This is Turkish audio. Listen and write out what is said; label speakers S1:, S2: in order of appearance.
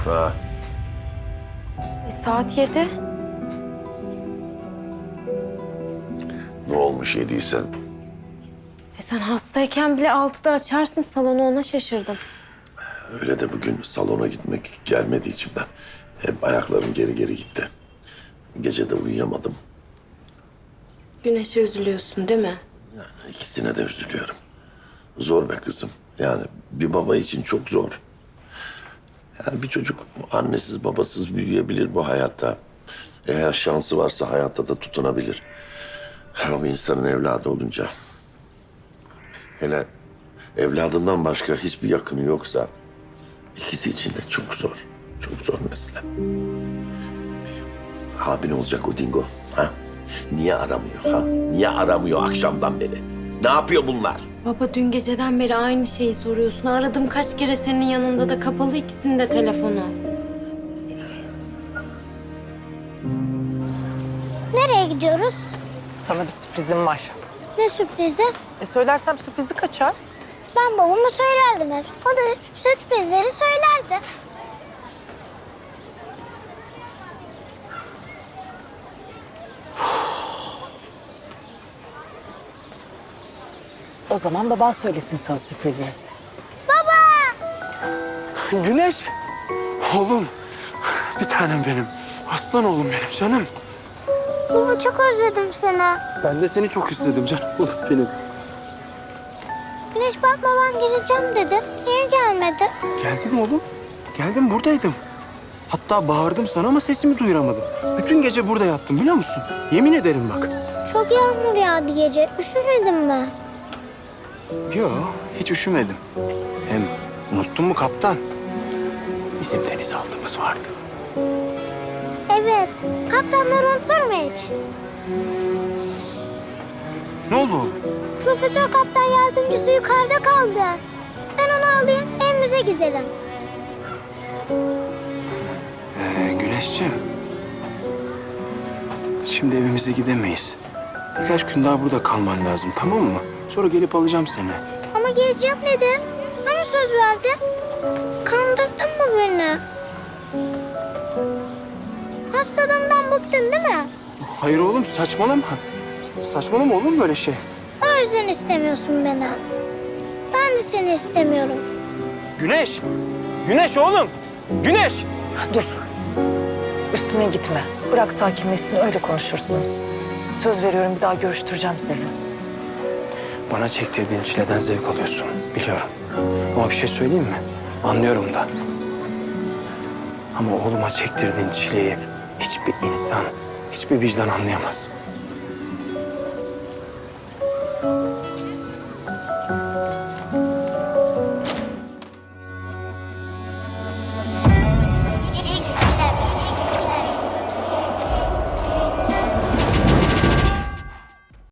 S1: Ha,
S2: Saat 7.
S1: ne olmuş yediysen?
S2: Sen hastayken bile 6'da açarsın salonu, ona şaşırdım.
S1: Öyle de bugün salona gitmek gelmedi içimden. Hep ayaklarım geri geri gitti. Gece de uyuyamadım.
S2: Güneşe üzülüyorsun değil mi?
S1: İkisine de üzülüyorum. Zor be kızım. Yani bir baba için çok zor. Yani bir çocuk annesiz babasız büyüyebilir bu hayatta. Eğer şansı varsa hayatta da tutunabilir. Ama bir insanın evladı olunca... Hele evladından başka hiçbir yakını yoksa... ikisi için de çok zor. Çok zor mesele. Abin olacak o dingo. Ha? Niye aramıyor ha? Niye aramıyor akşamdan beri? Ne yapıyor bunlar?
S2: Baba dün geceden beri aynı şeyi soruyorsun. Aradım kaç kere, senin yanında da kapalı ikisinin de telefonu.
S3: Nereye gidiyoruz?
S4: Sana bir sürprizim var.
S3: Ne sürprizi?
S4: Söylersem sürprizi kaçar.
S3: Ben babama söylerdim hep. O da sürprizleri söylerdi.
S4: O zaman baban söylesin sana sürprizi.
S5: Güneş. Oğlum. Bir tanem benim. Aslan oğlum benim canım.
S3: Baba çok özledim seni.
S5: Ben de seni çok istedim canım oğlum benim.
S3: Güneş bak baban geleceğim dedi. Niye gelmedi?
S5: Geldim oğlum. Geldim buradaydım. Hatta bağırdım sana ama sesimi duyuramadım. Bütün gece burada yattım biliyor musun? Yemin ederim bak.
S3: Çok yağmur yağdı gece. Üşümedin mi?
S5: Yo, hiç üşümedim. Hem unuttun mu kaptan? Bizim denizaltımız vardı.
S3: Evet. Kaptanlar unutur mu hiç?
S5: Ne oldu oğlum?
S3: Profesör kaptan yardımcısı yukarıda kaldı. Ben onu alayım, evimize gidelim.
S5: Güneşciğim. Şimdi evimize gidemeyiz. Birkaç gün daha burada kalman lazım, tamam mı? Sonra gelip alacağım seni.
S3: Ama geleceğim dedi. Hani söz verdi? Kandırdın mı beni? Hastalığımdan bıktın değil mi?
S5: Hayır oğlum, saçmalama. Saçmalama olur mu böyle şey?
S3: O yüzden istemiyorsun beni. Ben de seni istemiyorum.
S5: Güneş! Güneş oğlum! Güneş!
S4: Dur. Üstüne gitme. Bırak sakinleşsin, öyle konuşursunuz. Söz veriyorum, bir daha görüştüreceğim sizi.
S5: Bana çektirdiğin çileden zevk alıyorsun, biliyorum. Ama bir şey söyleyeyim mi? Anlıyorum da. Ama oğluma çektirdiğin çileyi hiçbir insan, hiçbir vicdan anlayamaz.